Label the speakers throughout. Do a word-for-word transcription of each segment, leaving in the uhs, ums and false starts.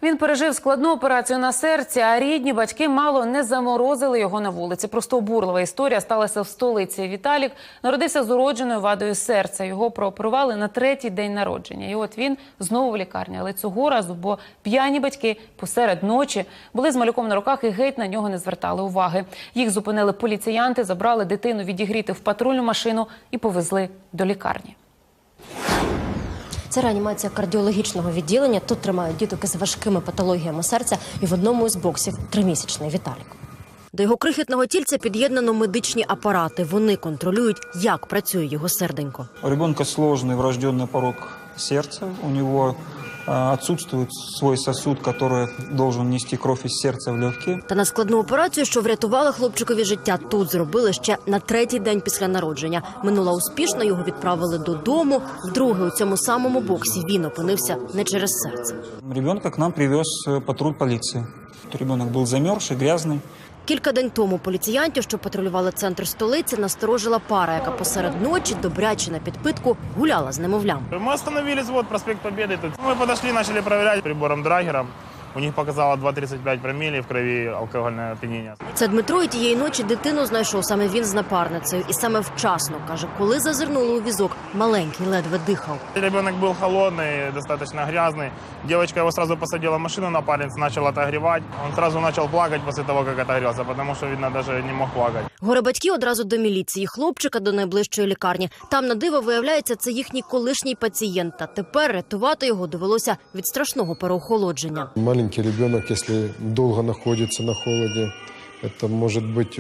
Speaker 1: Він пережив складну операцію на серці, а рідні батьки мало не заморозили його на вулиці. Просто обурлива історія сталася в столиці. Віталік народився з уродженою вадою серця. Його прооперували на третій день народження. І от він знову в лікарні. Але цього разу, бо п'яні батьки посеред ночі були з малюком на руках і геть на нього не звертали уваги. Їх зупинили поліціянти, забрали дитину відігріти в патрульну машину і повезли до лікарні.
Speaker 2: Це реанімація кардіологічного відділення. Тут тримають діток із важкими патологіями серця, і в одному із боксів тримісячний Віталік. До його крихітного тільця під'єднано медичні апарати. Вони контролюють, як працює його серденько.
Speaker 3: У ребенка сложный врожденный порог сердца. У него отсутствует свой сосуд, который должен нести кровь из сердца в легкие.
Speaker 2: Та на складну операцію, що врятувала хлопчикові життя, тут зробили ще на третій день після народження. Минула успішно, його відправили додому. Вдруге у цьому самому боксі він опинився не через серце.
Speaker 3: Ребенка к нам привез патруль полиции. Ребенок был замерзший, грязный.
Speaker 2: Кілька день тому поліціянтів, що патрулювали центр столиці, насторожила пара, яка посеред ночі, добряче на підпитку, гуляла з немовлям.
Speaker 4: Мы остановились, вот, проспект Победы. Тут. Мы подошли, начали проверять прибором Драгера. У них показало два тридцать пять промилле в крові алкогольне оп'яніння.
Speaker 2: Це Дмитро, і тієї ночі дитину знайшов саме він з напарницею. І саме вчасно, каже, коли зазирнули у візок, маленький ледве дихав.
Speaker 4: Ребенок был холодный, достаточно грязный. Девочка его сразу посадила в машину, напарница начала отогревать. Он сразу начал плакать после того, как отогрелся, потому что, видно, даже не мог плакать.
Speaker 2: Горе батьки одразу до міліції, хлопчика до найближчої лікарні. Там, на диво, виявляється, це їхній колишній пацієнт. Та тепер рятувати його довелося від страшного переохолодження.
Speaker 5: Маленький ребенок, если долго находится на холоде, это может быть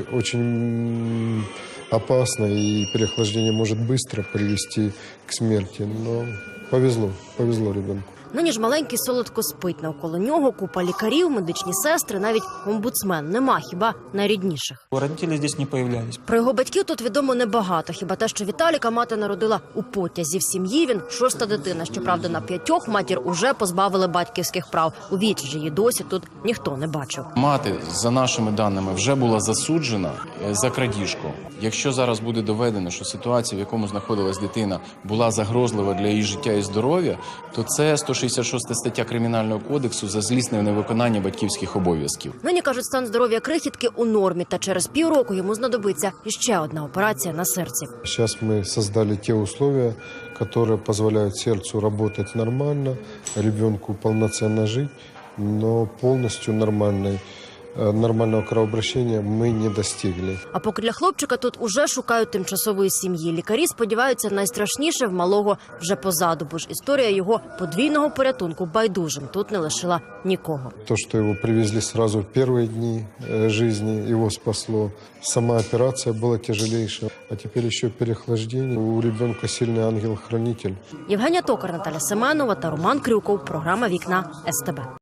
Speaker 5: очень опасно, и переохлаждение может быстро привести к смерти. Но повезло, повезло ребенку.
Speaker 2: Нині ж маленький солодко спить. Навколо нього купа лікарів, медичні сестри, навіть омбудсмен. Нема хіба найрідніших.
Speaker 3: Родители здесь не появлялись.
Speaker 2: Про його батьків тут відомо небагато. Хіба те, що Віталіка мати народила у потязі. В сім'ї він шоста дитина. Щоправда, на п'ятьох матір уже позбавили батьківських прав. У віч же її досі тут ніхто не бачив.
Speaker 6: Мати, за нашими даними, вже була засуджена за крадіжку. Якщо зараз буде доведено, що ситуація, в якому знаходилась дитина, була загрозлива для її життя і здоров'я, то це сто шістдесят шоста стаття Кримінального кодексу за злісне невиконання батьківських обов'язків.
Speaker 2: Нині, кажуть, стан здоров'я крихітки у нормі, та через півроку йому знадобиться іще одна операція на серці.
Speaker 5: Сейчас мы создали те условия, которые позволяют сердцу работать нормально, ребенку полноценно жить, но полностью нормальной нормального кровообращения мы не достигли.
Speaker 2: А поки для хлопчика тут уже шукають тимчасової сім'ї. Лікарі сподіваються, найстрашніше в малого вже позаду, бо ж історія його подвійного порятунку байдужим тут не лишила нікого.
Speaker 5: То, что его привезли сразу в первые дни жизни, его спасло. Сама операция была тяжелейшая, а теперь еще переохлаждение. У ребенка сильный ангел-хранитель.
Speaker 2: Євгенія Токар, Наталя Семенова та Роман Крюков. Програма «Вікна ес те бе».